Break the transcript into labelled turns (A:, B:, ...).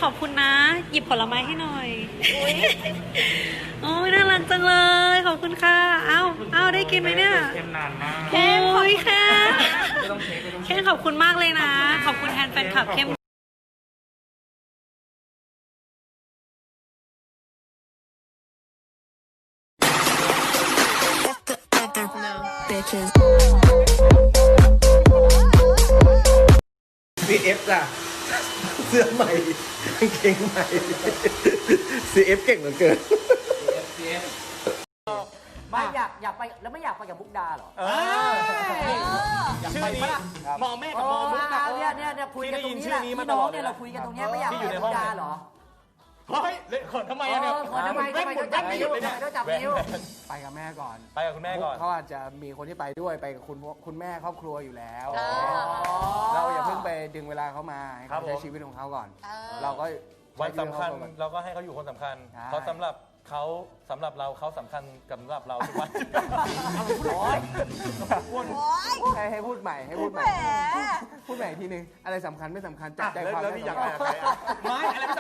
A: ขอบคุณนะ หยิบผลไม้ให้หน่อยโอ้ยน่ารักจังเลย ขอบคุณค่ะเอ้าได้กินไหมเนี่ย
B: เค็มนานมาก
A: โอ้ยแค่
B: ไม่ต้องเช็คไม่ต้อง
A: แค่ขอบคุณมากเลยนะ ขอบคุณแทนแฟนคลับเข้ม
C: CF จ้ะเสื้อใหม่กางเกงใหม่ CF เก่งเหลือเกิน
D: ไม่อยากไปแล้วไม่อยากไปกับมุกดาเหรอ
E: ชื่อนี้มอแม่กับมอมุก
D: เนี่ยคุยกันตรงนี้แหละพี่น้องเนี่ยเราคุยกันตรงนี้ไม่อยากไปกับมุกดาเหรอ
E: เฮ้ยเขินทำไมอะเนี่ย
D: ทำไมต้องจับนิ้วต้องจับนิ้ว
F: ไปกับแม่ก่อน
E: ไปกับคุณแม่ก่อน
F: เขาอาจจะมีคนที่ไปด้วยไปกับคุณแม่ครอบครัวอยู่แล้ว เราอย่าเพิ่งไปดึงเวลาเขามาให้เขาใช้ชีวิตของเขาก่อน เราก็
E: วันสำคัญเราก็ให้เขาอยู่คนสำคัญ
F: ใช่
E: เพราะสำหรับเราเขาสำคัญกับสำหรับเราทุกวัน
F: ให้พูดใหม่พูดใหม่อีกทีนึงอะไรสำคัญไม่สำคัญจับใจความ
E: แล้ว
F: ได้
E: นี่อยาก
F: ก่
E: ไป
F: อน
E: กับใครอะไม่อะไร